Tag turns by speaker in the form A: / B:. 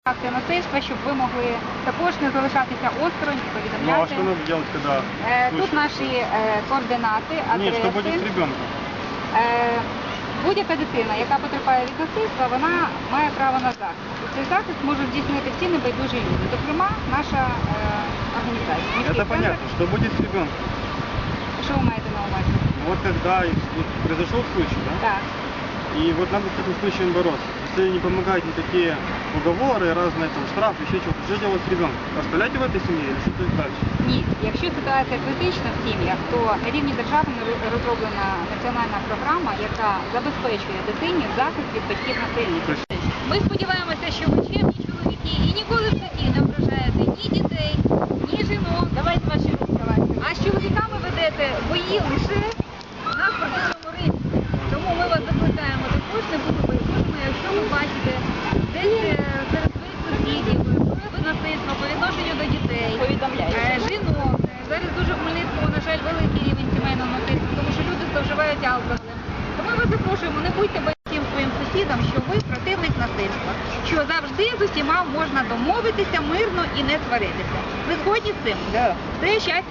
A: Акція насильства, щоб ви могли також не залишатися осторонь,
B: Ну а
A: повідомляти.
B: что надо делать, когда
A: Тут
B: слышишь?
A: наші координати,
B: Нет, что будет с
A: адреси.
B: ребенком?
A: Будь-яка дитина, яка потерпає від насильства, вона має право на захист. І цей захист можуть здійснити всі небайдужі люди, зокрема наша організація. Міський
B: Это
A: центр.
B: понятно. Что будет с ребенком?
A: Що ви маєте на увазі?
B: Вот когда вот произошел случай, да?
A: Так.
B: И вот надо с таким случаем бороться. Если не помогают никакие уговоры, разные там штрафы, еще что-то, что делать с ребенком? Оставлять его в этой семье или что-то дальше?
A: Ні, якщо ситуація критична в сім'ях, то на рівні держави розроблена національна програма, яка забезпечує дитині захист від батьків насильників. Ми сподіваємося, що ви чемні чоловіки і ніколи в житті не ображаєте ні дітей, ні жінок. Давайте ваші розказати. А з чоловіками ведете бої лише на спортивному ринку. Тому ми вас закликаємо також не бути байдужими, якщо ви бачите десь серед своїх сусідів прояви насильства по відношенню до дітей, жінок. Зараз дуже в Хмельницькому, на жаль, великий рівень сімейного насильства, тому що люди зловживають алкоголем. Тому ми вас запрошуємо, не будьте байдужим своїм сусідам, що ви противник насильства, що завжди з усіма можна домовитися мирно і не сваритися. Ви згодні з цим?
C: Да.
A: Це щастя.